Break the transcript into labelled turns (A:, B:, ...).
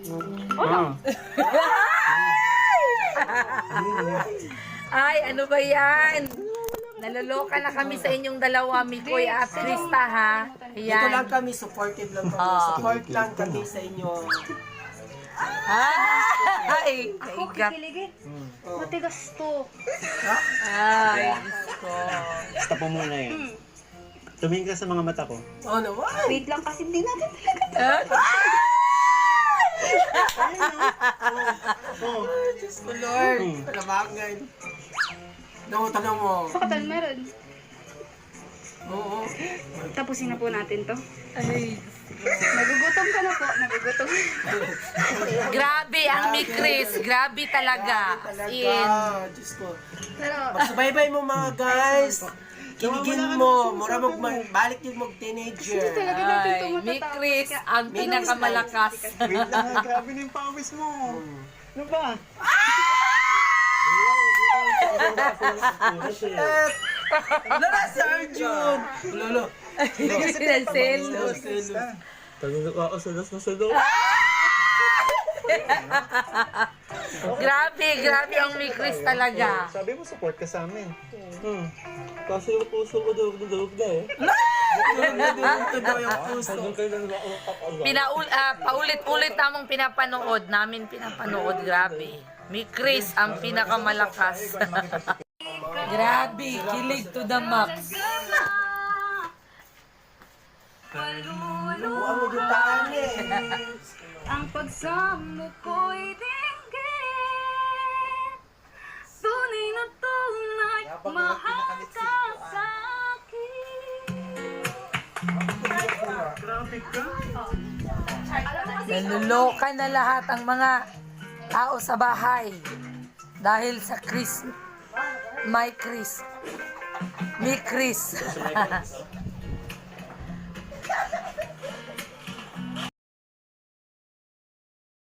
A: Ay, ano ba yan? Naloloka na kami sa inyong dalawa, Mikoy at Krista, ha?
B: Dito lang
A: Ayan.
B: kami, supportive lang kami. Support lang kami sa inyo.
A: Ay,
C: Ako
A: kaigat.
C: kikiligin. Matigas to.
A: Ay, Diyos ko.
D: Tapo muna yun. Tumingin ka sa mga mata ko.
B: Oh, naman.
C: Wait lang kasi hindi natin talaga.
D: Oh.
B: Diyos ko, Lord. Kalabangan. No, tanong mo.
C: Sakatan meron.
B: Oo.
C: Tapusin na po natin to.
A: Ay.
C: Nagugutom ka na po. Nagugutom.
A: Grabe ang Mikris. Grabe talaga. As
B: Talaga.
A: in.
B: Diyos ko.
C: Pero,
B: Magsubaybay mo mga guys. Kiligin mo. Mura balik yung mag-teenager.
C: hindi talaga natin
A: Ay,
C: to matatapos.
A: Mikris ang pinakamalakas.
D: Wait lang, grabe na yung pawis mo. Ano ba?
B: Lala si Arjun. Lolo.
A: Selos.
D: Talaga ka, salas na salas.
A: Grabe ang Mikris talaga.
D: Sabi mo, support ka sa amin. Kasi yung puso ko durog na eh.
B: Tudo yung puso.
A: Paulit-ulit namin pinapanood. Grabe. Mikris ang pinakamalakas. Grabe, kilig to the max.
B: Lubuan mo yung taan eh.
C: ang pagsamo ko'y dinggin. Tunay na tunay, mahal ka sa akin.
A: Naluloka na lahat ang mga tao sa bahay dahil sa Chris, my Chris, mi Chris.